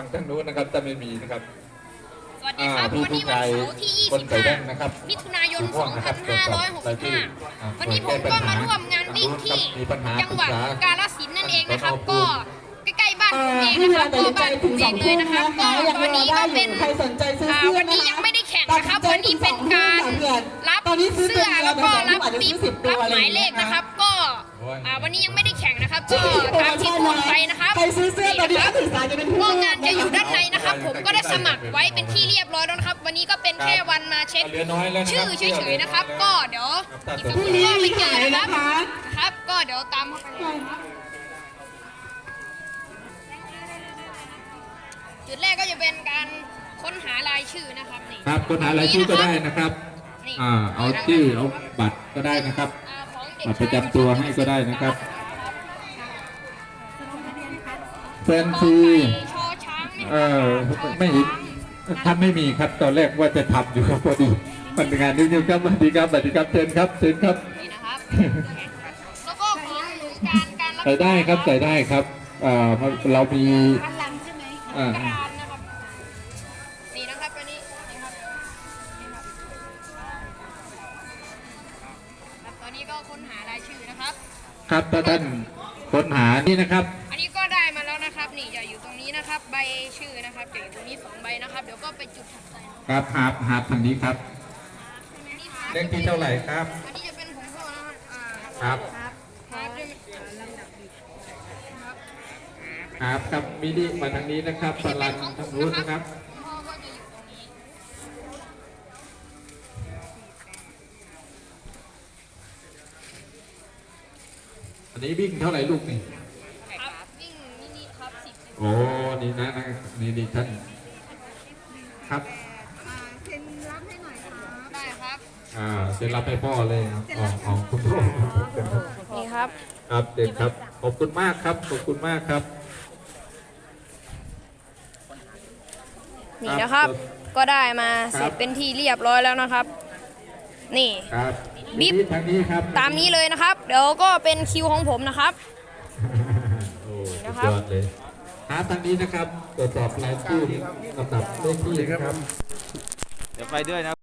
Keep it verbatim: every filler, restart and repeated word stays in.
ฝั่งทางนู้นนะครับจะไม่มีนะครับสวัสดีครับวันนี้วันเสาร์ที่ยี่สิบห้ามิถุนายนสองพันห้าร้อยหกสิบห้าวันนี้ผมก็มาร่วมงานวิ่งที่จังหวัดกาฬสินธุ์นั่นเองนะครับก็ใกล้ๆบ้านผมเองนะครับก็บ้านผมเองเลยนะครับก็ตอนนี้ก็เป็นวันนี้ยังไม่ได้แข่งนะครับวันนี้เป็นการรับเสื้อแล้วก็รับปิ๊บรับหมายเลขนะครับก็วันนี้ยังไม่ได้แข่งนะครับก็ตามที่พูดไปนะครับพวกงานจะอยู่ด้านในนะครับผมก็ได้สมัครไว้เป็นที่เรียบร้อยแล้วนะครับวันนี้ก็เป็นแค่วันมาเช็คชื่อเฉยๆนะครับก็เดี๋ยวอีกสักครู่ก็ไปเจอนะครับครับก็เดี๋ยวตามเข้าไปเลยครับจุดแรกก็จะเป็นการค้นหารายชื่อนะครับนี่ครับค้นหารายชื่อก็ได้นะครับอ่าเอาชื่อเอาบัตรก็ได้นะครับบัตรประจำตัวให้ก็ได้นะครับแฟนซีเออไม่ท่านไม่มีครับตอนแรกว่าจะทำอยู่ครับพอดีมันงานนิดนึงครับสวัสดีครับสวัสดีครับเชิญครับเชิญครับนี่นะครับแล้วก็ของการการใส่ได้ครับใส่ได้ครับอ่าเรามีอ่านี่นะครับตัวนี้นี่ครับตอนนี้ก็ค้นหารายชื่อนะครับครับถ้าท่านค้นหานี่นะครับอันนี้ก็ได้มาแล้วนะครับนี่จะอยู่ตรงนี้นะครับใบชื่อนะครับจะอยู่ตรงนี้สองใบนะครับเดี๋ยวก็ไปจุดถัดไปครับหาบหาบทางนี้ครับเลขที่เท่าไหร่ครับอันนี้จะเป็นของพ่อนะครับครับครับครับมินิมาทางนี้นะครับสลันทางนู้นนะครับพ่อก็จะอยู่ตรงนี้อันนี้วิ่งเท่าไหร่ลูกนี่ครับวิ่งมินิครับสิบโอ้นี่นะนี่นี่ท่านครับเซ็นรับให้หน่อยครับได้ครับอ่าเซ็นรับให้พ่อเลยอ๋อของคุณพ่อนี่ครับครับเด็กครับขอบคุณมากครับขอบคุณมากครับนี่นะครับก็ได้มาเสร็จเป็นที่เรียบร้อยแล้วนะครับนี่บิ๊บทางนี้ครับตามนี้เลยนะครับเดี๋ยวก็เป็นคิวของผมนะครับโอ้นะครับเลยหาทางนี้นะครับตรวจสอบรายชื่อลำดับเลขที่ครับเดี๋ยวไปด้วยนะ